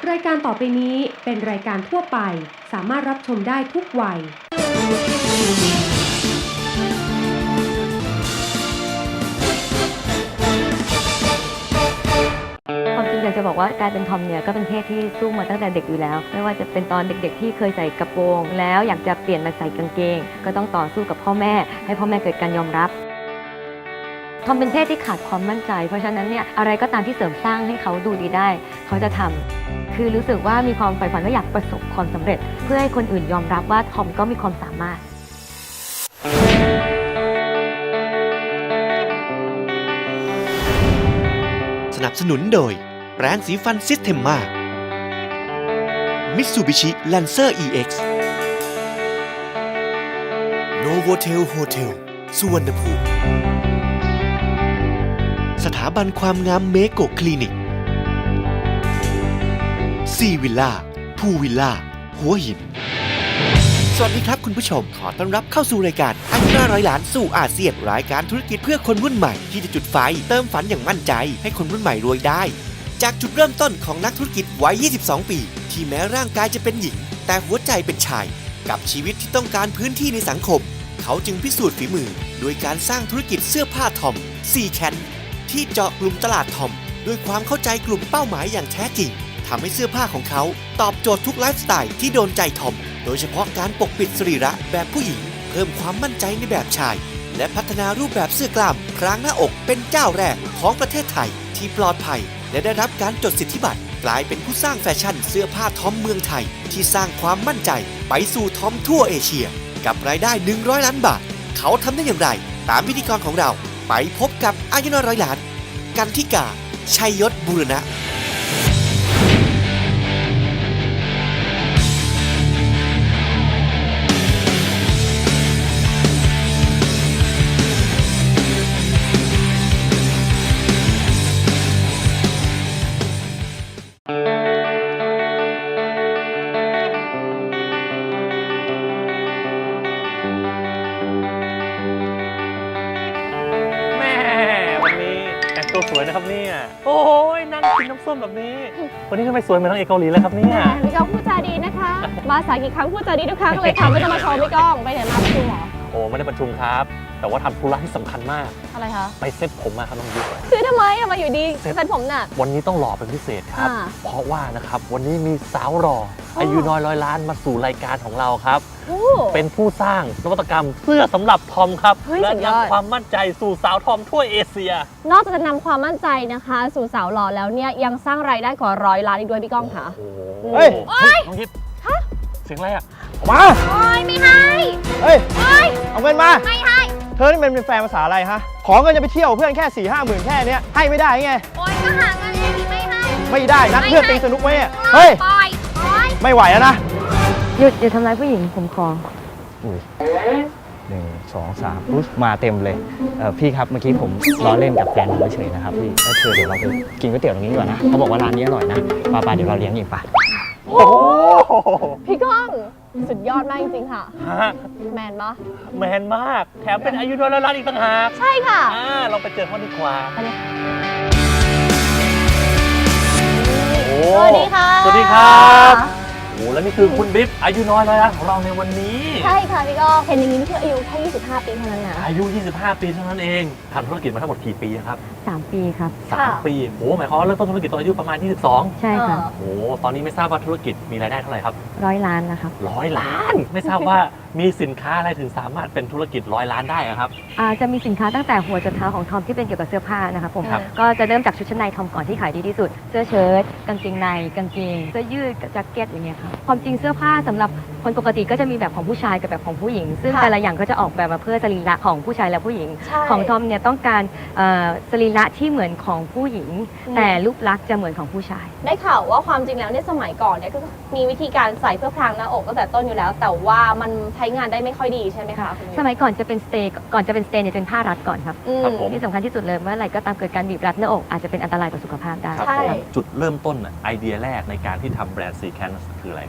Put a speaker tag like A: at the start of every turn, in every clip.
A: รายการต่อไปนี้เป็นรายการทั่วไปสามารถรับชมได้ทุกวัย
B: ความจริงอยากจะบอกว่าการเป็นทอมเนี่ยก็เป็นเพศที่สู้มาตั้งแต่เด็กอยู่แล้วไม่ว่าจะเป็นตอนเด็กๆที่เคยใส่กระโปรงแล้วอยากจะเปลี่ยนมาใส่กางเกงก็ต้องต่อสู้กับพ่อแม่ให้พ่อแม่เกิดการยอมรับทอมเป็นเพศที่ขาดความมั่นใจเพราะฉะนั้นเนี่ยอะไรก็ตามที่เสริมสร้างให้เขาดูดีได้เขาจะทำคือรู้สึกว่ามีความใฝ่ฝันว่าอยากประสบความสำเร็จเพื่อให้คนอื่นยอมรับว่าทอมก็มีความสามารถ
C: สนับสนุนโดยแปรงสีฟันซิสเทมมามิตซูบิชิแลนเซอร์ EX โนโวเทลโฮเทลสุวรรณภูมิสถาบันความงามเมโกคลินิกซีวิลล่าพูวิลล่าหัวหินสวัสดีครับคุณผู้ชมขอต้อนรับเข้าสู่รายการอายุ500 ล้านสู่อาเซียนรายการธุรกิจเพื่อคนรุ่นใหม่ที่จะจุดไฟเติมฝันอย่างมั่นใจให้คนรุ่นใหม่รวยได้จากจุดเริ่มต้นของนักธุรกิจวัย 22 ปีที่แม้ร่างกายจะเป็นหญิงแต่หัวใจเป็นชายกับชีวิตที่ต้องการพื้นที่ในสังคมเขาจึงพิสูจน์ฝีมือโดยการสร้างธุรกิจเสื้อผ้าทอมซีแคนที่เจาะกลุ่มตลาดทอมด้วยความเข้าใจกลุ่มเป้าหมายอย่างแท้จริงทำให้เสื้อผ้าของเขาตอบโจทย์ทุกไลฟ์สไตล์ที่โดนใจทอมโดยเฉพาะการปกปิดสรีระแบบผู้หญิงเพิ่มความมั่นใจในแบบชายและพัฒนารูปแบบเสื้อกล้ามพรางหน้าอกเป็นเจ้าแรกของประเทศไทยที่ปลอดภัยและได้รับการจดสิทธิบัตรกลายเป็นผู้สร้างแฟชั่นเสื้อผ้าทอมเมืองไทยที่สร้างความมั่นใจไปสู่ทอมทั่วเอเชียกับรายได้100 ล้านบาทเขาทำได้อย่างไรตามพิธีกรของเราไปพบกับอายุ100 ล้านกันทิกาชัยยศบูรณะ
D: ตัวสวยนะครับเนี่ยโอ้ยนั่งกินน้ำส้มแบบนี้วันนี้ทำไมสวยเหมือนนางเอกเกาหลีเลยครับเนี่ย
E: พี่ก้องพูดจาดีนะคะมาสายกี่ครั้งพูดจาดีทุกครั้งเลยค่ะไม่ต้องมาชมพี่ก้องไปไหนมาประชุมหรอ
D: โอ้ไม่ได้ประชุมครับแต่ว่าทำธุระที่สำคัญมาก
E: อะไรคะ
D: ไปเซ็ตผมมาครับน้องยุ้ย
E: คือทำไมมาอยู่ดีเซ็ตผมน่ะ
D: วันนี้ต้องหล่อเป็นพิเศษครับเพราะว่านะครับวันนี้มีสาวหล่ออายุน้อย100 ล้านมาสู่รายการของเราครับเป็นผู้สร้างนวัตกรรมเสื้อสำหรับทอมครับและนำความมั่นใจสู่สาวทอมทั่วเอเชีย
E: นอกจากจะนำความมั่นใจนะคะสู่สาวหล่อแล้วเนี่ยยังสร้างรายได้กว่า100 ล้านอีกด้วยพี่ก้องค่ะ
D: เฮ้ยน้องยิปเสียงอะไรอ่ะ
E: มาโอ้ยไม่ให้
F: เฮ้ยเอาเงินมา
E: ไม่ให้
F: เธอนี่เป็นแฟนภาษาอะไรฮะขอเงินจะไปเที่ยวเพื่อนแค่4-5 หมื่นแค่นี้ให้ไม่ได้ไง
E: โอ้ยก็หาเงินเองไม่ให้
F: ไม่ได้นัดเพื่อนตีสนุกไหมเฮ้ยไม่ไหวแล้วนะ
B: หยุดอย่าทำร้ายผู้หญิงผมขอ
F: 1 2 3ปุ๊บมาเต็มเลยพี่ครับเมื่อกี้ผมล้อเล่นกับแฟนผมเฉยนะครับพี่แล้วเธอเดี๋ยวเราไปกินก๋วยเตี๋ยวตรงนี้ดีกว่านะเขาบอกว่าร้านนี้อร่อยนะป้าเดี๋ยวเราเลี้ยงเองป่ะ
E: โอ้พี่ก้องสุดยอดมากจริงๆค่ะแมนปะ
D: แมนมากแถมเป็นอายุน้อยล้านอีกต่างหาก
E: ใช่ค่ะ
D: ลองไปเจอเขาดีกว่า
E: สวัสดีค่ะ
D: สวัสดีครับโอ้แล้วนี่คือคุณบิ๊บอายุน้อย100 ล้านของเราในวันนี้
E: ใช่ค่ะพี่ก้องเห็นอย่างนี้นี่คืออายุแค่25 ปีเท่านั้นนะ
D: อายุ25 ปีเท่านั้นเองทำธุรกิจมาทั้งหมดกี่ปีครับ
B: 3 ปีครับ
D: 3 ปีโอ้หมายความว่าเริ่มต้นธุรกิจตอนอายุประมาณ22
B: ใช่ค่ะ
D: โอ้ตอนนี้ไม่ทราบว่าธุรกิจมีรายได้เท่าไหร่ครับ
B: 100 ล้านนะครับ
D: 100 ล้านไม่ทราบว่ามีสินค้าอะไรถึงสามารถเป็นธุรกิจ100 ล้านได้ครับ
B: จะมีสินค้าตั้งแต่หัวจนเท้าของทอมที่เป็นเกี่ยวกับเสื้อผ้านะครับผมก็จะเริ่มจากชุดชั้นในทอมก่อนที่ขายดีที่สุดเสื้อเชิ้ตกางเกงในกางเกงเสื้อยืดแจ็คเก็ตอย่างเงี้ยครับความจริงเสื้อผ้าสำหรับคนปกติก็จะมีแบบของผู้ชายกับแบบของผู้หญิงซึ่งแต่ละอย่างก็จะออกแบบมาเพื่อสรีระของผู้ชายและผู้หญิงของทอมเนี่ยต้องการสรีระที่เหมือนของผู้หญิงแต่รูปลักษณ์จะเหมือนของผู้ชาย
E: ได้ข่าวว่าความจริงแล้วในสมัยก่อนเนี่ยก็มีวิธีการใส่เพื่อพรางหน้าอกตั้งแต่ต้นอยู่แล้วแต่ว่ามันใช้งานได้ไม่ค่อยดีใช่ไหมคะ
B: สมัยก่อนจะเป็นสเตย์เนี่ยเป็นผ้ารัดก่อนครับที่สำคัญที่สุดเลยเมื่อไหร่ก็ตามเกิดการบีบรัดหน้าอกอาจจะเป็นอันตรายต่อสุขภาพได้
D: จุดเริ่มต้นไอเดียแรกในการที่ทำแบรนด์ซีแคนคืออะไรครับ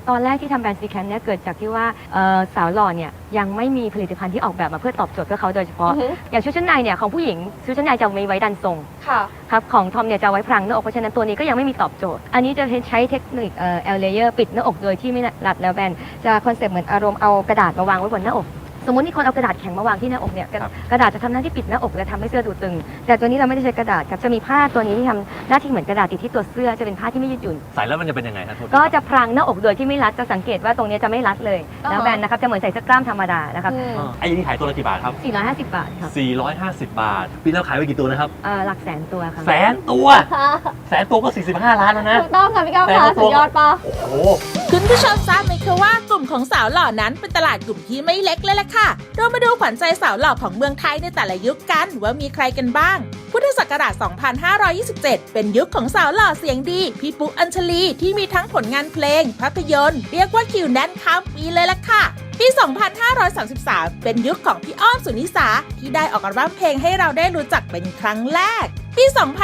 B: ตอนแรกที่ทำแบรนด์ซีแคนเนี่ยเกิดจากที่ว่าสาวหล่อเนี่ยยังไม่มีผลิตภัณฑ์ที่ออกแบบมาเพื่อตอบโจทย์เพื่อเขาโดยเฉพาะ อย่างชุดชั้นในเนี่ยของผู้หญิงชุดชั้นในจะมีไว้ดันทรง
E: ค่ะ
B: ครับของทอมเนี่ยจะไว้พรางหน้าอกเพราะฉะนั้นตัวนี้ก็ยังไม่มีตอบโจทย์อันนี้จะใช้เทคนิคเลเยอร์ปิดหน้าอกโดยที่ไม่รัดแล้วแบนจะคอนเซ็ปต์เหมือนอารมณ์เอากระดาษมาวางไว้บนหน้าอกสมมติมีคนเอากระดาษแข็งมาวางที่หน้าอกเนี่ยกระดาษจะทำหน้าที่ปิดหน้าอกและทำให้เสื้อดูตึงแต่ตัวนี้เราไม่ได้ใช้กระดาษครับจะมีผ้าตัวนี้ที่ทำหน้าที่เหมือนกระดาษติดที่ตัวเสื้อจะเป็นผ้าที่ไม่ยืดหยุ่น
D: ใส่แล้วมันจะเป็นยังไงครับโทษที
B: ก็จะพรางหน้าอกโดยที่ไม่รัดจะสังเกตว่าตรงนี้จะไม่รัดเลยแล้วแบนนะครับจะเหมือนใส่เสื้อกล้ามธรรมดานะครับ
D: ไอ้นี่ขายตัวละกี่บาทครับ
B: 450 บาทครับ
D: 450 บาทปีแล้วขายไปกี่ตัวนะครับ
B: หลักแสนตัวครับ
D: แสนตัวแสนตัวก็45 ล้านแล้วนะ
E: ถูกต้องค่ะพี่ก้าวค่ะสุดยอดปะ
D: โอ้โห
G: คุณผู้ชมทราบไหมคะว่ากลุ่มของสาวหล่อนั้นเป็นตลาดกลุ่มที่ไม่เล็กเลยล่ะค่ะ เรามาดูขวัญใจสาวหล่อของเมืองไทยในแต่ละยุคกันว่ามีใครกันบ้าง พุทธศักราช 2527 เป็นยุคของสาวหล่อเสียงดีพี่ปุ๊อัญชลีที่มีทั้งผลงานเพลงภาพยนตร์เรียกว่าคิวแน่นข้ามปีเลยล่ะค่ะ ปี 2533 เป็นยุคของพี่อ้อมสุนิสาที่ได้ออกอัลบั้มเพลงให้เราได้รู้จักเป็นครั้งแรก ปี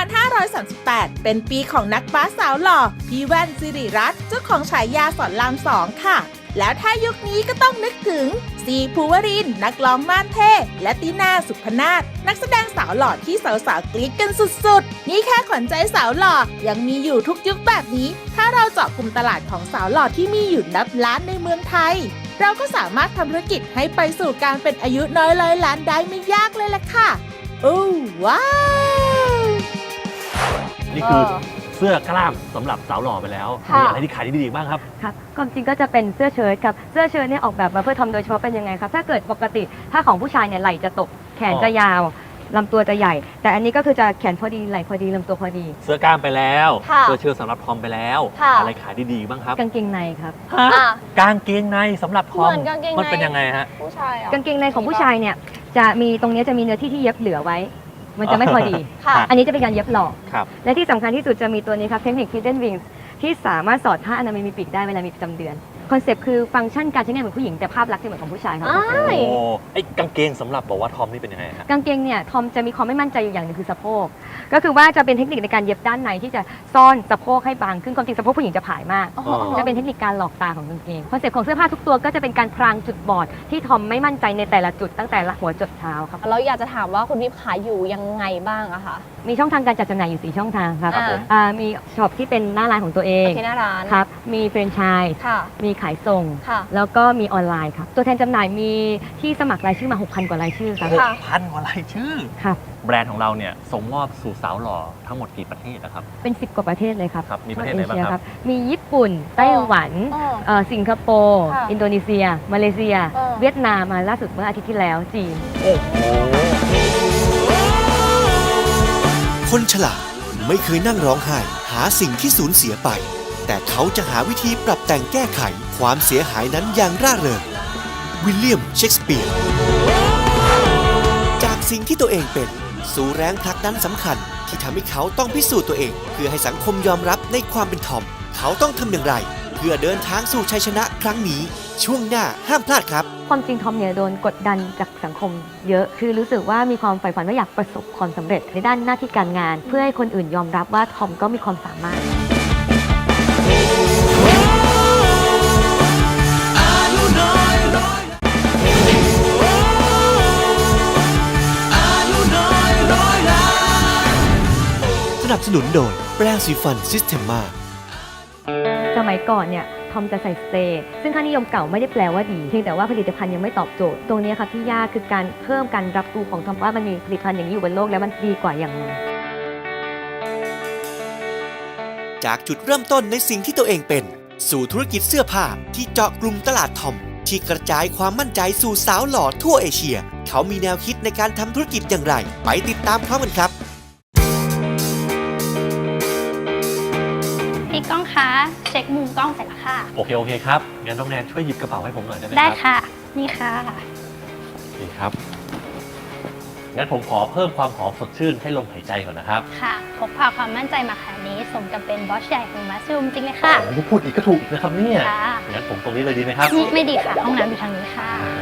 G: 2538 เป็นปีของนักบาสสาวหล่อพี่แว่นสิริรัตน์เจ้าของฉายาสอนราม2 ค่ะ แล้วถ้ายุคนี้ก็ต้องนึกถึงซีภูวรินทร์นักร้องม่านเท่และตินาสุพนาถนักแสดงสาวหล่อที่สาวๆกรี๊ดกันสุดๆนี่แค่ขวัญใจสาวหล่อยังมีอยู่ทุกยุคแบบนี้ ถ้าเราเจาะกลุ่มตลาดของสาวหล่อที่มีอยู่นับล้านในเมืองไทย เราก็สามารถทำธุรกิจให้ไปสู่การเป็นอายุน้อยร้อยล้านได้ไม่ยากเลยล่ะค่ะโอ้ว้าว
D: นี่คือเสื้อกล้ามสำหรับสาวหล่อไปแล้ว
E: ค่ะ
D: มีอะไรที่ขายดีๆบ้างครับ
B: ครับความจริงก็จะเป็นเสื้อเชิ้ตครับเสื้อเชิ้ตเนี่ยออกแบบมาเพื่อทอมโดยเฉพาะเป็นยังไงครับถ้าเกิดปกติถ้าของผู้ชายเนี่ยไหล่จะตกแขนจะยาวลำตัวจะใหญ่ แต่อันนี้ก็คือจะแขนพอดีไหล่พอดีลำตัวพอดี
D: เสื้อกล้ามไปแล้ว
E: ค่ะ
D: เสื้อเชิ้ตสำหรับทอมไปแล้ว
E: ค่ะ
D: อะไรขายดีๆบ้างครับ
B: กางเกงในครับ
D: ฮะ
E: อ่ะ
D: กางเกงในสำหรับทอม
E: เหมือนกางเกงใน
D: มันเป็นยังไงฮะ
E: ผู้ชายอ่ะ
B: กางเกงในของผู้ชายเนี่ยจะมีตรงนี้จะมีเนื้อที่เย็บเหลือไว้ มันจะไม่พอดี
E: ค่ะ
B: อันนี้จะเป็นการเย็บหลอก
D: ครับ
B: และที่สำคัญที่สุดจะมีตัวนี้ครับเทคนิค Hidden Wings ที่สามารถสอดผ้าอนามัยมีปีกได้เวลามีประจำเดือนคอนเซปต์คือฟังก์ชันการใช้งานเหมือนผู้หญิงแต่ภาพลักษณ์จะเหมือนของผู้ชายครับ
E: อ้า
D: โอ้
E: ย
D: ไอ้กางเกงสำหรับบอกว่าทอมนี่เป็นยังไงฮะ
B: กางเกงเนี่ยทอมจะมีความไม่มั่นใจอยู่อย่างหนึงคือสะโพกก็คือว่าจะเป็นเทคนิคในการเย็บด้านในที่จะซ่อนสะโพกให้บางขึ้นความจริงสะโพกผู้หญิงจะผายมาก
E: อ๋อ
B: จะเป็นเทคนิคการหลอกตาของกางเกงคอนเซปต์ของเสื้อผ้าทุกตัวก็จะเป็นการพรางจุดบอดที่ทอมไม่มั่นใจในแต่ละจุดตั้งแต่ละหัวจดเท้าครับ
E: เราอยากจะถามว่าคุณวิพขายอยู่ยังไงบ้างอะคะ
B: มีช่องทางการจัดจำหน่ายอยู่ 4 ช่องทางครับ
E: ครับผม
B: มีช็อปที่เป็นหน้าร้านของตัวเอง
E: ที่หน้าร้าน
B: ครับมีแฟรนไชส์
E: ค่ะ
B: มีขายส่ง
E: ค่ะ
B: แล้วก็มีออนไลน์ครับตัวแทนจำหน่ายมีที่สมัครรายชื่อมา 6,000 กว่ารายชื่อครับ
E: ค่ะ
D: 6,000 กว่ารายชื่อ
B: ครับ
D: แบรนด์ของเราเนี่ยส่งมอบสู่สาวหล่อทั้งหมดกี่ประเทศนะครับ
B: เป็น 10 กว่าประเทศเลยครับ
D: ครับมีประเทศไหนบ้างครับ
B: ทั่วเอชียมีญี่ปุ่นไต้หวัน สิงคโปร์
E: ค่ะ
B: อินโดนีเซีย มาเลเซีย
E: เออ
B: เวียดนามมาล่าสุดเมื่ออาทิตย์ที่แล้วจีน
C: คนฉลาดไม่เคยนั่งร้องไห้ หาสิ่งที่สูญเสียไป แต่เขาจะหาวิธีปรับแต่งแก้ไขความเสียหายนั้นอย่างร่าเริงวิลเลียมเชกสเปียร์จากสิ่งที่ตัวเองเป็นสู่แรงผลักดันสำคัญ ที่ทำให้เขาต้องพิสูจน์ตัวเอง เพื่อให้สังคมยอมรับในความเป็นทอม เขาต้องทำอย่างไร เพื่อเดินทางสู่ชัยชนะครั้งนี้ ช่วงหน้าห้ามพลาดครับ
B: ความจริงทอมเนี่ยโดนกดดันจากสังคมเยอะ คือรู้สึกว่ามีความใฝ่ฝันว่าอยากประสบความสำเร็จในด้านหน้าที่การงาน เพื่อให้คนอื่นยอมรับว่าทอมก็มีความสามารถ
C: สนับสนุนโดยแปรงสีฟันซิสเทมมา
B: สมัยก่อนเนี่ยทอมจะใส่สเตย์ซึ่งค่านิยมเก่าไม่ได้แปลว่าดีเพียงแต่ว่าผลิตภัณฑ์ยังไม่ตอบโจทย์ตรงนี้ครับที่ยากคือการเพิ่มการรับรู้ของทอมว่ามันมีผลิตภัณฑ์อย่างนี้อยู่บนโลกแล้วมันดีกว่าอย่างไร
C: จากจุดเริ่มต้นในสิ่งที่ตัวเองเป็น สู่ธุรกิจเสื้อผ้าที่เจาะกลุ่มตลาดทอม ที่กระจายความมั่นใจสู่สาวหล่อทั่วเอเชีย เขามีแนวคิดในการทำธุรกิจอย่างไร ไปติดตามพร้อมกันครับ
H: พี่ก้องคะเช็คมุมกล้องเสร็จแล้วค่ะ
D: โอเคครับงั้นน้องแนนช่วยหยิบกระเป๋าให้ผมหน่อยได้ไหมครับ
H: ได้ค่ะ นี่ค่ะ
D: นี่ครับงั้นผมขอเพิ่มความหอมสดชื่นให้ลมหายใจก่อนนะครับ
H: ค่ะพกพาความมั่นใจมาขนาดนี้สมกับเป็นบอสใหญ่ของมัสลูมจริงเลยค่ะ
D: โอ้โหพูดอีกก็ถูกนะครับเนี่ย
H: ค่ะ
D: งั้นผมตรงนี้เลยดีไหมครับ
H: ไม่ดีค่ะ ห้องน้ำอยู่ทางนี้ค่ะ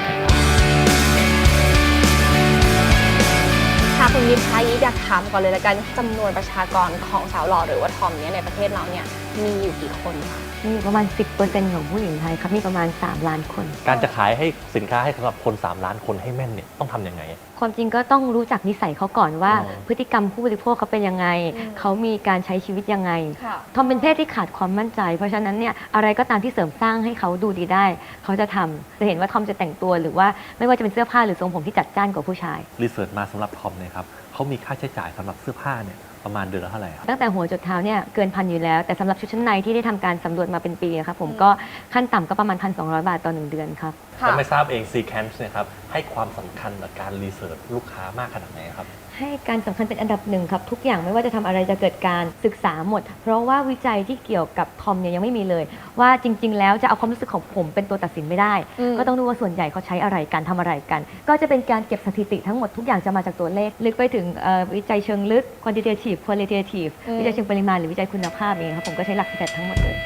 E: ค่ะคุณวิพคะอยากถามก่อนเลยละกันจำนวนประชากรของสาวหล่อหรือว่าทอมเนี่ยในประเทศเราเนี่ยมีอยู่กี่คนคะ
B: มีประมาณ 10% ของผู้หญิงไทยครับมีประมาณ3 ล้านคน
D: การจะขายให้สินค้าให้สำหรับคน3 ล้านคนให้แม่นเนี่ยต้องทำยังไง
B: ความจริงก็ต้องรู้จักนิสัยเขาก่อนว่า
D: อ๋อ
B: พฤติกรรมผู้บริโภคเขาเป็นยังไง เขามีการใช้ชีวิตยังไง
E: ค่ะ
B: ทอมเป็นเพศที่ขาดความมั่นใจ เพราะฉะนั้นเนี่ยอะไรก็ตามที่เสริมสร้างให้เขาดูดีได้ เขาจะทำจะเห็นว่าทอมจะแต่งตัวหรือว่าไม่ว่าจะเป็นเสื้อผ้าหรือทรงผมที่จัดจ้านกว่าผู้ชาย
D: รีเสิร์ชมาสำหรับทอมเนี่ยครับเขามีค่าใช้จ่ายสำหรับเสื้อผ้าเนี่ยประมาณเดือนละเท่าไหร่ครับ
B: ตั้งแต่หัวจดเท้าเนี่ยเกินพันอยู่แล้ว แต่สำหรับชุดชั้นในที่ได้ทำการสำรวจมาเป็นปีนะครับผมก็ขั้นต่ำก็ประมาณ 1,200 บาทต่อ1 เดือนครับ
D: แล้วไม่ทราบเอง Seekance เนี่ยครับให้ความสำคัญกับการรีเสิร์ชลูกค้ามากขนาดไหนครับ
B: ให้การสำคัญเป็นอันดับหนึ่งครับทุกอย่างไม่ว่าจะทำอะไรจะเกิดการศึกษาหมด เพราะว่าวิจัยที่เกี่ยวกับทอมเนี่ยยังไม่มีเลย ว่าจริง ๆ แล้วจะเอาความรู้สึกของผมเป็นตัวตัดสินไม่ได้ ก็ต้องดูว่าส่วนใหญ่เขาใช้อะไรกันทำอะไรกัน ก็จะเป็นการเก็บสถิติทั้งหมดทุกอย่างจะมาจากตัวเลขลึกไปถึงวิจัยเชิงลึก quantitative qualitative วิจัยเชิงปริมาณหรือวิจัยคุณภาพเองครับผมก็ใช้หลักแต่ทั้งหมดเลย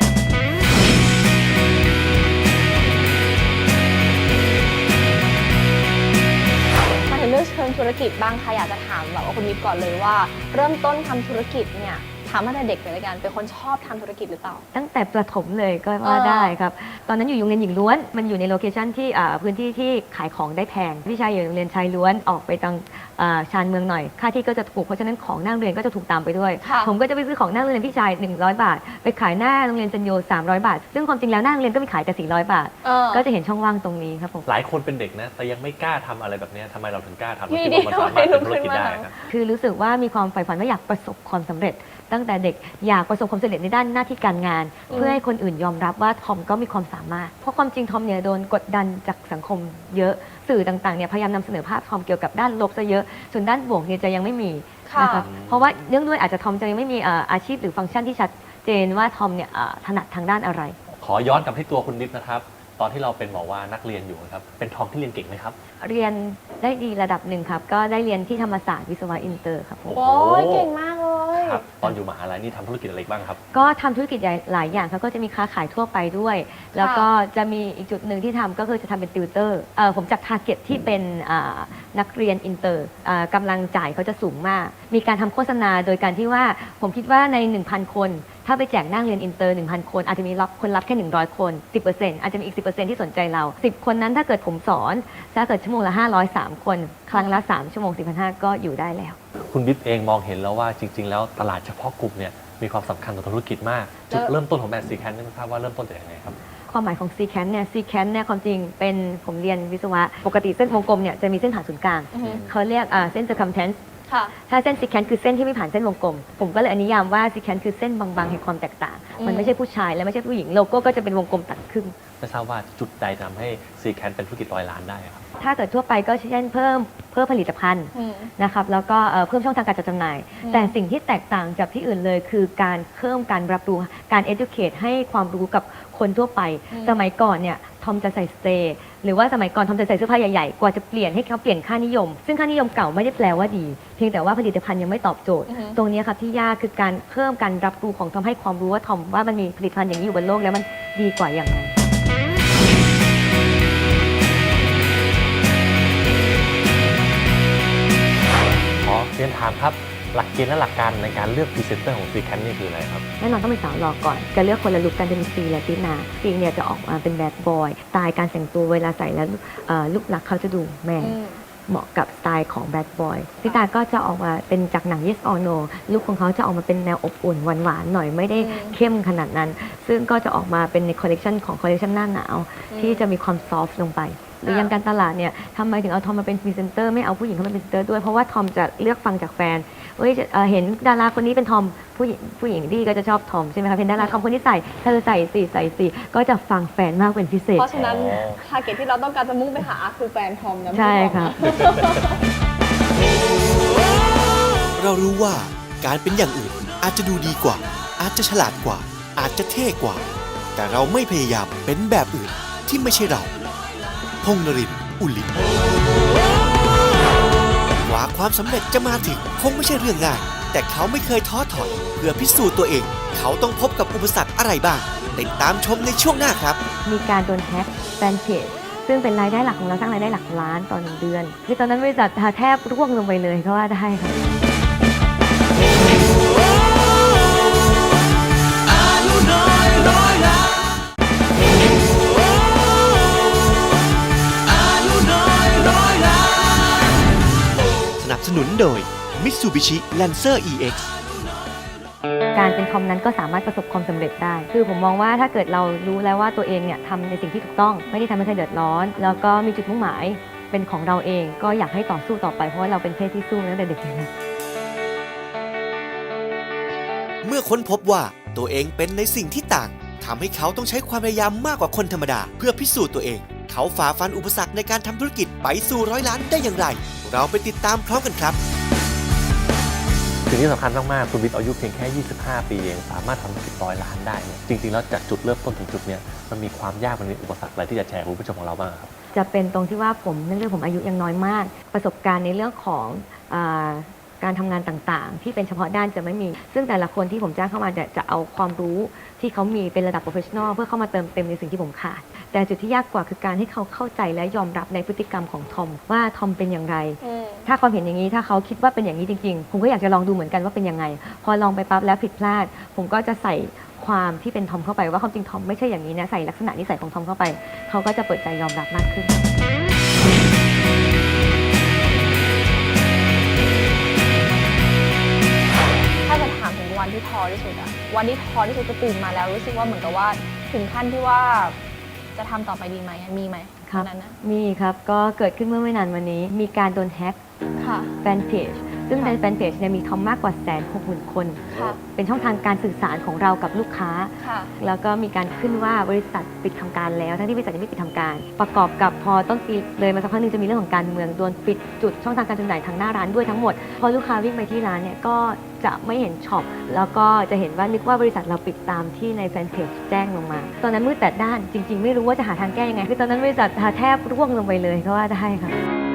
E: มาถึงเรื่องเชิงธุรกิจบ้างค่ะอยากจะถามแบบว่าคุณวิทย์ก่อนเลยว่า เริ่มต้นทำธุรกิจเนี่ยถามตั้งแต่เด็กเลยละกันเป็นคนชอบทำธุรกิจหรือเปล่า
B: ตั้งแต่ประถมเลยก็ว่าได้ครับตอนนั้นอยู่โรงเรียนหญิงล้วนมันอยู่ในโลเคชันที่พื้นที่ที่ขายของได้แพงพี่ชายอยู่โรงเรียนชายล้วนออกไปทางชานเมืองหน่อยค่าที่ก็จะถูกเพราะฉะนั้นของหน้าโรงเรียนก็จะถูกตามไปด้วย ผมก็จะไปซื้อของหน้าโรงเรียนพี่ชาย100 บาทไปขายหน้าโรงเรียนจันโย300 บาทซึ่งความจริงแล้วหน้าโรงเรียนก็มีขายแต่400 บาทก็จะเห็นช่องว่างตรงนี้ครับผม
D: หลายคนเป็นเด็กนะแต่ยังไม่กล้าทำอะไรแบบนี้ทำไมเราถึงกล้าทำเราคิดว่ามันสามารถเป็นธุรกิจได้ครับ
B: คือรู้สึกว่ามีความใฝ่ฝันว่าอยากประสบความสำเร็จ ตั้งแต่เด็กอยากประสบความสำเร็จในด้านหน้าที่การงาน เพื่อให้คนอื่นยอมรับว่าทอมก็มีความสามารถเพราะความจริงทอมเนี่ยโดนกดดันจากสังคมเยอะสื่อต่างๆเนี่ยพยายามนำเสนอภาพทอมเกี่ยวกับด้านลบซะเยอะส่วนด้านบวกเนี่ยจะยังไม่มีนะครับเพราะว่าเนื่องด้วยอาจจะทอมจะยังไม่มีอาชีพหรือฟังก์ชันที่ชัดเจนว่าทอมเนี่ยถนัดทางด้านอะไร
D: ขอย้อนกลับที่ตัวคุณนิดนะครับตอนที่เราเป็นหมอว่านักเรียนอยู่นะครับเป็นทอมที่เรียนเก่งไหมครับ
B: เรียนได้ดีระดับหนึ่งครับก็ได้เรียนที่ธรรมศาสตร์วิศวะอินเตอร์ครับผม
E: โอ้ยเก่งมากเลย
D: ครับตอนอยู่มหาลัยนี่ทำธุรกิจอะไรบ้างครับ
B: ก็ทำธุรกิจหลายอย่างครับก็จะมีค้าขายทั่วไปด้วย แล้วก็จะมีอีกจุดหนึ่งที่ทำก็คือจะทำเป็นติวเตอร์ผมจับทาร์เก็ตที่เป็นนักเรียนอินเตอร์กำลังจ่ายเขาจะสูงมาก มีการทำโฆษณาโดยการที่ว่าผมคิดว่าใน 1,000 คนถ้าไปแจกนั่งเรียนอินเตอร์ 1,000 คนอาจจะมีคนรับแค่100 คน 10% อาจจะมีอีก 10% ที่สนใจเรา10 คนนั้นถ้าเกิดผมสอนถ้าเกิดชั่วโมงละ503 คนครั้งละ3 ชั่วโมง 4,500 ก็อยู่ได้แล้ว
D: คุณบิ๊กเองมองเห็นแล้วว่าจริง ๆ แล้วตลาดเฉพาะกลุ่มเนี่ยมีความสำคัญต่อธุรกิจมากจุดเริ่มต้นของแบรนด์Seekanceไม่ทราบว่าเริ่มต้นจากยังไงครับ
B: ความหมายของ Seekance เนี่ย Seekance เนี่ยความจริงเป็นผมเรียนวิศวะปกติเส้นวงกลมเนี่ยจะมีเส้นผ่านศูนย์กลางเขาเรียกเส้น circumference ถ้าเส้น Seekance คือเส้นที่ไม่ผ่านเส้นวงกลมผมก็เลยนิยามว่า Seekance คือเส้นบางๆแห่งความแตกต่างมันไม่ใช่ผู้ชายและไม่ใช่ผู้หญิงโลโก้ก็จะเป็นวงกลมตัดครึ่ง
D: ไม่ทราบว่าจุดใดทำให้ Seekance เป็นธุรกิจ100 ล้านได้ครับ
B: ถ้าเกิดทั่วไปก็เช่นเพิ่มผลิตภัณฑ์นะครับแล้วก็เพิ่มช่องทางการจัดจำหน่ายแต่สิ่งที่แตกต่างจากที่อื่นเลยคือการเพิ่มการรับรู้การ educate ให้ความรู้กับคนทั่วไปสมัยก่อนเนี่ยทอมจะใส่สเตย์หรือว่าสมัยก่อนทอมจะใส่เสื้อผ้าใหญ่ๆกว่าจะเปลี่ยนให้เขาเปลี่ยนค่านิยมซึ่งค่านิยมเก่าไม่ได้แปลว่าดีเพียงแต่ว่าผลิตภัณฑ์ยังไม่ตอบโจทย์ตรงนี้ครับที่ยากคือการเพิ่มการรับรู้ของทอมให้ความรู้ว่าทอมว่ามันมีผลิตภัณฑ์อย่างนี้อยู่บนโลกแล้วมันดีกว่าอย่างไร
D: ขอเรียนถามครับหลักเกณฑ์และหลักการในการเลือกพรีเซนเตอร์ของ Seekance นี่คืออะไรครับ
B: แน่นอนต้องเป็นสาวหล่อก่อนจะเลือกคนละลุคกันจะมีซีและตินาซีเนี่ยจะออกมาเป็นแบดบอยสไตล์การแต่งตัวเวลาใส่แล้วลุคลักษณ์เขาจะดูแมนเหมาะกับสไตล์ของแบดบอยตินาก็จะออกมาเป็นจากหนัง Yes or No ลุคของเขาจะออกมาเป็นแนวอบอุ่นหวานๆหน่อยไม่ได้เข้มขนาดนั้น ซึ่งก็จะออกมาเป็นในคอลเลกชันของคอลเลกชันหน้าหนาวที่จะมีความซอฟต์ลงไปหรือยังการตลาดเนี่ยทำไมถึงเอาทอมมาเป็นพรีเซนเตอร์ไม่เอาผู้หญิงเข้ามาเป็นพรีเซนเตอร์ด้วยเพราะว่าทอมจะเลือกฟังจากแฟนเห็นดาราคนนี้เป็นทอมผู้หญิงดีก็จะชอบทอมใช่ไหมคะเห็นดาราทอมคนที่ใส่เธอใส่สิก็จะฟังแฟนมากเป็นพิเศษ
E: เพราะฉะนั้นทาร์เก็ตที่เราต้องการจะมุ่งไปหาคือแฟนทอมนะ
B: ใช่ค่ะ
C: เรารู้ว่าการเป็นอย่างอื่นอาจจะดูดีกว่าอาจจะฉลาดกว่าอาจจะเท่กว่าแต่เราไม่พยายามเป็นแบบอื่นที่ไม่ใช่เราพงษ์นรินทร์ อุลิกว่าความสำเร็จจะมาถึงคงไม่ใช่เรื่องง่ายแต่เขาไม่เคยท้อถอยเพื่อพิสูจน์ตัวเองเขาต้องพบกับอุปสรรคอะไรบ้างติดตามชมในช่วงหน้าครับ
B: มีการโดนแฮ็กแฟนเพจซึ่งเป็นรายได้หลักของเราสร้างรายได้หลักล้านต่อ1 เดือนคือตอนนั้นบริษัทแทบร่วงลงไปเลยก็ว่าได้ค่ะ
C: Mitsubishi Lancer EX
B: การเป็นทอมนั้นก็สามารถประสบความสำเร็จได้ คือผมมองว่าถ้าเกิดเรารู้แล้วว่าตัวเองเนี่ยทำในสิ่งที่ถูกต้องไม่ได้ทำให้ใครเดือดร้อน แล้วก็มีจุดมุ่งหมายเป็นของเราเองก็อยากให้ต่อสู้ต่อไปเพราะว่าเราเป็นเพศที่สู้ตั้งแต่เด็กเลยนะ
C: เมื่อค้นพบว่าตัวเองเป็นในสิ่งที่ต่างทำให้เขาต้องใช้ความพยายามมากกว่าคนธรรมดาเพื่อพิสูจน์ตัวเอง เขาฝ่าฟันอุปสรรคในการทำธุรกิจไปสู่100 ล้านได้อย่างไร เราไปติดตามพร้อมกันครับ
D: สิ่งที่สำคัญมากๆคุณวิทย์อายุเพียงแค่ 25 ปีเองสามารถทำธุรกิจ100 ล้านได้เนี่ยจริงๆแล้วจากจุดเริ่มต้นถึงจุดเนี้ยมันมีความยากมันมีอุปสรรคอะไรที่จะแชร์คุณผู้ชมของเราบ้างครับ
B: จะเป็นตรงที่ว่าผมเนื่องจากผมอายุยังน้อยมาก ประสบการณ์ในเรื่องของการทำงานต่างๆ ที่เป็นเฉพาะด้านจะไม่มี ซึ่งแต่ละคนที่ผมจ้างเข้ามาจะเอาความรู้ที่เขามีเป็นระดับโปรเฟชชั่นอลเพื่อเข้ามาเติมเต็มในสิ่งที่ผมขาดแต่จุดที่ยากกว่าคือการให้เขาเข้าใจและยอมรับในพฤติกรรมของทอมว่าทอมเป็นอย่างไรถ้าความเห็นอย่างนี้ถ้าเขาคิดว่าเป็นอย่างนี้จริงๆผมก็อยากจะลองดูเหมือนกันว่าเป็นยังไงพอลองไปปั๊บแล้วผิดพลาดผมก็จะใส่ความที่เป็นทอมเข้าไปว่าความจริงทอมไม่ใช่อย่างนี้นะใส่ลักษณะนิสัยของทอมเข้าไปเขาก็จะเปิดใจยอมรับมากขึ้น
E: ถ้าจะถามถึงวันที่ท้อที่สุดอะวันที่ท้อที่สุดจะตื่นมาแล้วรู้สึกว่าเหมือนกับว่าถึงขั้นที่ว่าจะทำต่อไปดีไหมมีไหม
B: ครับ
E: นั้นนะ
B: มีครับก็เกิดขึ้นเมื่อไม่นานวันนี้มีการโดนแฮ็ก
E: ค่ะ
B: แฟนเพจซึ่งในแฟนเพจเนี่ยมีทอมมากกว่า160,000 คน
E: ค่ะ
B: เป็นช่องทางการสื่อสารของเรากับลูกค้า
E: ค่ะ
B: แล้วก็มีการขึ้นว่าบริษัทปิดทำการแล้วทั้งที่บริษัทยังไม่ปิดทำการ ประกอบกับพอต้นปีเลยมาสักพักหนึงจะมีเรื่องของการเมืองโดนปิดจุดช่องทางการจำหน่ายทางหน้าร้านด้วยทั้งหมดพอลูกค้าวิ่งไปที่ร้านเนี่ยก็จะไม่เห็นช็อปแล้วก็จะเห็นว่านึกว่าบริษัทเราปิดตามที่ในแฟนเพจแจ้งลงมาตอนนั้นมืดแปดด้านจริงๆไม่รู้ว่าจะหาทางแก้ยังไงคือตอนนั้นบริษัทแทบร่วงลงไปเลยก็ว่าได้ค่ะ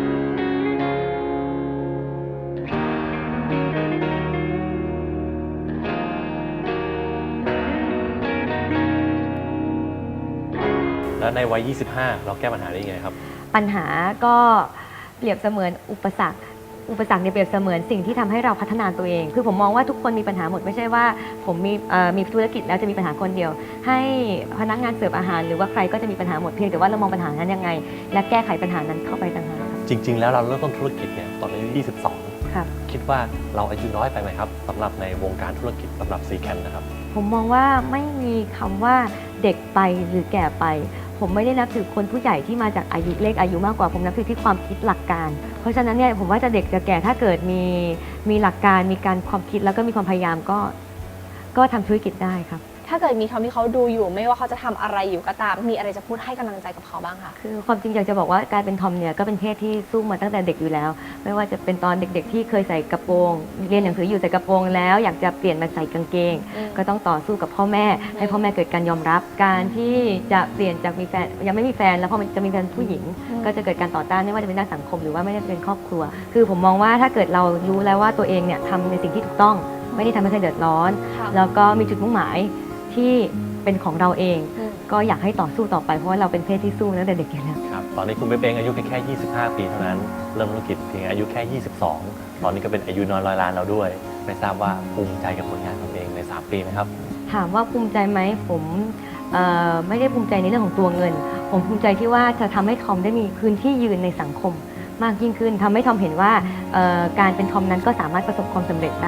D: แล้วในวัย 25 เราแก้ปัญหาได้ยังไงครับ
B: ปัญหาก็เปรียบเสมือนอุปสรรคเนี่ยเปรียบเสมือนสิ่งที่ทำให้เราพัฒนาตัวเอง คือผมมองว่าทุกคนมีปัญหาหมดไม่ใช่ว่าผมมีธุรกิจแล้วจะมีปัญหาคนเดียว ให้พนักงานเสิร์ฟอาหารหรือว่าใครก็จะมีปัญหาหมดเพียงแต่ว่าเรามองปัญหานั้นยังไง และแก้ไขปัญหานั้นเข้าไปต่างหากครับ
D: จริง ๆ แล้วเราเริ่มต้นธุรกิจเนี่ยตอนอายุ 22
B: ครับ
D: คิดว่าเราอายุน้อยไปไหมครับสำหรับในวงการธุรกิจสำหรับซีแคนนะครับ
B: ผมมองว่าไม่มีคำว่าเด็กไปหรือแก่ไป ผมไม่ได้นับถือคนผู้ใหญ่ที่มาจากอายุเลขอายุมากกว่าผมนับถือที่ความคิดหลักการ เพราะฉะนั้นเนี่ยผมว่าจะเด็กจะแก่ถ้าเกิดมีหลักการมีการความคิดแล้วก็มีความพยายามก็ทำธุรกิจได้ครับ
E: ถ้าเกิดมีทอมที่เขาดูอยู่ไม่ว่าเขาจะทำอะไรอยู่ก็ตามมีอะไรจะพูดให้กำลังใจกับเขาบ้างคะ
B: คือความจริงอยากจะบอกว่าการเป็นทอมเนี่ยก็เป็นเพศที่สู้มาตั้งแต่เด็กอยู่แล้ว ไม่ว่าจะเป็นตอนเด็กๆที่เคยใส่กระโปรงเรียนหนังสืออยู่ใส่กระโปรงแล้วอยากจะเปลี่ยนมาใส่กางเกง ก็ต้องต่อสู้กับพ่อแม่ให้พ่อแม่เกิดการยอมรับ การที่จะเปลี่ยนจากมีแฟนยังไม่มีแฟนแล้วพอมันจะมีแฟนผู้หญิง ก็จะเกิดการต่อต้านไม่ว่าจะเป็นด้านสังคมหรือว่าไม่ได้เป็นครอบครัว คือผมมองว่าถ้าเกิดเรารู้แล้วว่าตัวเองเนี่ยทำในสิ่งที่ถูกต้องไม่ได้ทำให้ใครเดือดร้อน แล้วก็มีจุดมุ่งหมายที่เป็นของเราเองก็อยากให้ต่อสู้ต่อไปเพราะว่าเราเป็นเพศที่สู้ตั้งแต่เด็กอยู่แล้ว
D: ครับตอนนี้คุณเบเบงอายุเพียงแค่ 25 ปีเท่านั้นเริ่มธุรกิจเพียงอายุแค่ 22 ตอนนี้ก็เป็นอายุน้อย100 ล้านแล้วด้วยไม่ทราบว่าภูมิใจกับผลงานของตัวเองใน 3 ปีไหมครับ
B: ถามว่าภูมิใจไหมผมไม่ได้ภูมิใจในเรื่องของตัวเงิน ผมภูมิใจที่ว่าจะทำให้ทอมได้มีพื้นที่ยืนในสังคมมากยิ่งขึ้นทำให้ทอมเห็นว่าการเป็นทอมนั้นก็สามารถประสบความสำเร็จได้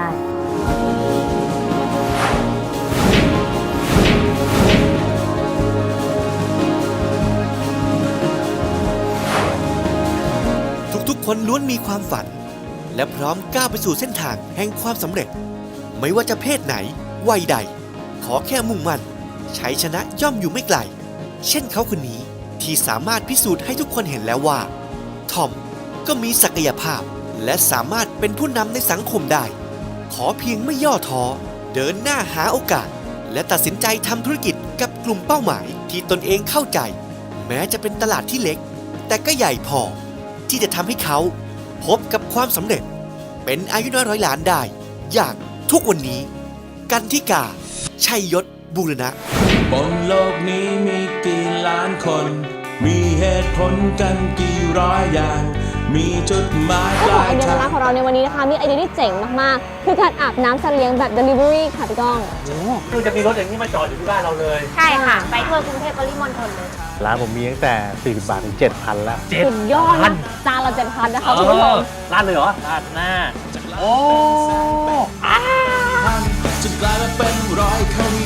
C: ทุกๆ คนล้วนมีความฝัน และพร้อมก้าวไปสู่เส้นทางแห่งความสำเร็จ ไม่ว่าจะเพศไหนวัยใด ขอแค่มุ่งมั่นชัยชนะย่อมอยู่ไม่ไกล เช่นเขาคนนี้ที่สามารถพิสูจน์ให้ทุกคนเห็นแล้วว่าทอมก็มีศักยภาพ และสามารถเป็นผู้นำในสังคมได้ ขอเพียงไม่ย่อท้อเดินหน้าหาโอกาส และตัดสินใจทำธุรกิจกับกลุ่มเป้าหมายที่ตนเองเข้าใจ แม้จะเป็นตลาดที่เล็ก แต่ก็ใหญ่พอที่จะทำให้เขาพบกับความสำเร็จ เป็นอายุน้อย100 ล้านได้ อย่างทุกวันนี้ กันธิกา ชัยยศบูรณะ
I: บนโลกนี้มีกี่ล้านคน มีเหตุผลกันกี่ร้อยอย่าง มีจุดหมายป
E: เจ้าของ
I: ลา
E: ไอย เดีย
I: ทาง
E: ร้านของเราในวันนี้นะคะมีไอเดียที่เจ๋งมากๆคือการอาบน้ำสัตว์เลี้ยงแบบ Delivery ค่ะพี่ก้อง
D: คือจะมีรถอย่างนี้มาจอดอยู่ที่บ้านเราเลย
H: ใช่ค่ะ ไปทั่วกรุงเทพปริมณฑลเลย
J: ร้านผมมีตั้งแต่ 40 บาท ถึง 7,000 แล้ว
E: สุดยอดนะจานละ7,000นะคะคุณผู้ชม
D: ร้านเลยเหรอร้านหน้าโอ้
I: จะกลายมาเป็นร้อยเขามี